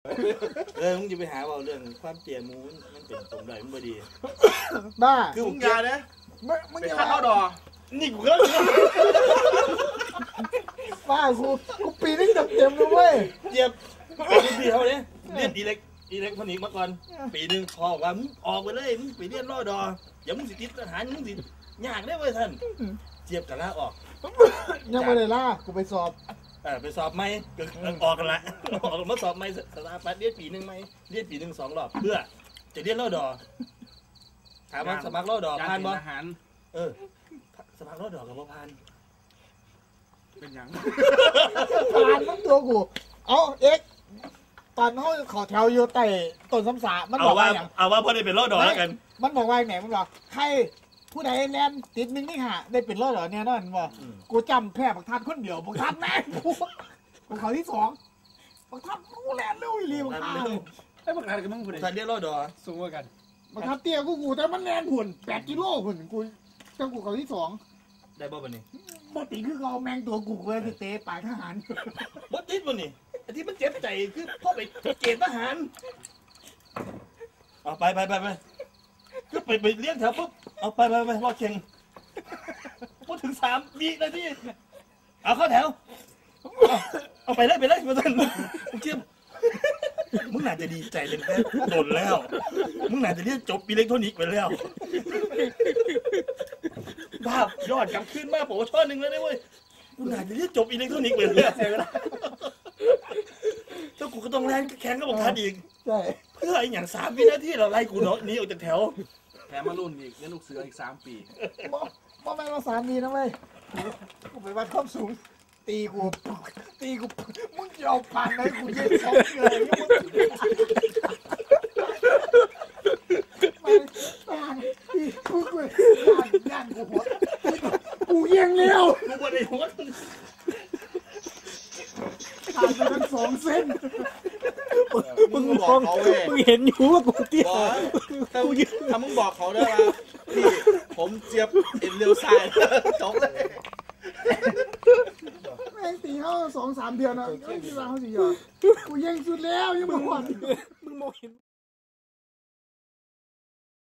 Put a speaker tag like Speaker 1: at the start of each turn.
Speaker 1: มึงจะไปหาเอาเรื่องความเตี้ยมูมันเป็นตรงใดมันบ่ดี
Speaker 2: บ้า
Speaker 1: คือมึงยานะ
Speaker 2: มึง
Speaker 1: เป็น
Speaker 2: อย่า
Speaker 1: ข้าวดอนี่กูก็
Speaker 2: บ้ากูปีนึงเต็มเลยเว้ย
Speaker 1: เจ็บปีเท่านี้เรียนอีเล็กพนิกมาก่อนปีนึงพอว่ามึงออกไปเลยมึงไปเรียนรอดออย่ามึงสิติดทหารมึงสิยากได้เว้ยท่านเจี๊ยบกันละออก
Speaker 2: ยังไม่ได้ล่ากูไปสอบ
Speaker 1: ไปสอบไหมก็ออกกันละออกมาสอบไหมสถาปัตย์เรียนปีนึงไหมเรียนปีนึง2 รอบเพื่อจะเรียนรอดอถามว่าสมัครรอดอผ่านบ่สมัครรอดอกับบ่ผ่าน
Speaker 2: เป็นยังผ่านมันตัวกูเอาเอ็กตอนเขาขอแถวอยู่แต่ต้นสำสามันบอกว่า
Speaker 1: เอาว่าพอได้เป็นรอดอแล้วกัน
Speaker 2: มันบอกว่าไหนมันบอกใครผู้ใดแลนติด1 นี่ฮะได้เป็นรอดอเนี่ยนั่นบอกกูจำแพ้บักทัดคนเดียวบักทัดแม่กูเขาที่2บักทัดกูแลนเร็วอีหลีบักทัด
Speaker 3: ไอ้บักทัดกับมึงผู้ใด
Speaker 1: ทัดเรียนรอดอ
Speaker 3: สูงกว่ากัน
Speaker 2: บักทัดเตี้ยกูแต่มันแลนหุ่น8 กิโลหุ่นกูจังกูเขาที่2
Speaker 1: ได้บ่บัดนี้
Speaker 2: บ่ติคือเขาแมงตัวกูเลยที่เตะปลายทหาร
Speaker 1: บ่ติดบ่นี่ไอ้ที่มันเจ็บใจคือพ่อไปเกณฑ์ทหารเอาไปก็ไปเลี้ยงแถวปุ๊บเอาไปรอเข่งพูดถึง3 วินาทีเอาเข้าแถวเอาไปเลยมาต้นมึงเจี๊ยบมึงน่าจะดีใจเลยแค่โดนแล้วมึงน่าจะเรียนจบอิเล็กทรอนิกส์ไปแล้วภาพยอดกลับขึ้นมากผมว่าช่อ1แล้วนะเว้ยมึงน่าจะเรียนจบอิเล็กทรอนิกส์ไปแล้วถ้ากูก็ต้องแรงแข่งก็บอกทันอีก
Speaker 2: ใช่
Speaker 1: เพื่ออีกอย่าง3 วินาทีเราไล่กูเนาะหนีออกจากแถว
Speaker 3: แถมมารุ่นอีกเลี้ยงลูกเสืออีก3 ปี
Speaker 2: บ่แม่นว่า3 ปีนะเว้ยกูไปวัดความสูงตีกูมึงจะเอาผ่านไหนกูเย็น2 เลยย่านกูหัวกูเยี่ยงเร็ว
Speaker 1: กูบ่ได้หัว
Speaker 2: ผ่านไปทั้ง2 เส้น
Speaker 1: มึงบอกเขาเว้ย
Speaker 2: มึงเห็นอยู่ว่ากูเตี้ย
Speaker 1: ถ้ามึงบอกเขาได้ว่าพี่ผมเจี๊ยบเอ็นเร็วสายจบเลย
Speaker 2: แม่งตีเขา2-3 เดือนนะไม่มีเวลาเขาสิยอกูเยี่ยงสุดแล้วยังบ่หวั่นมึงมองเห็น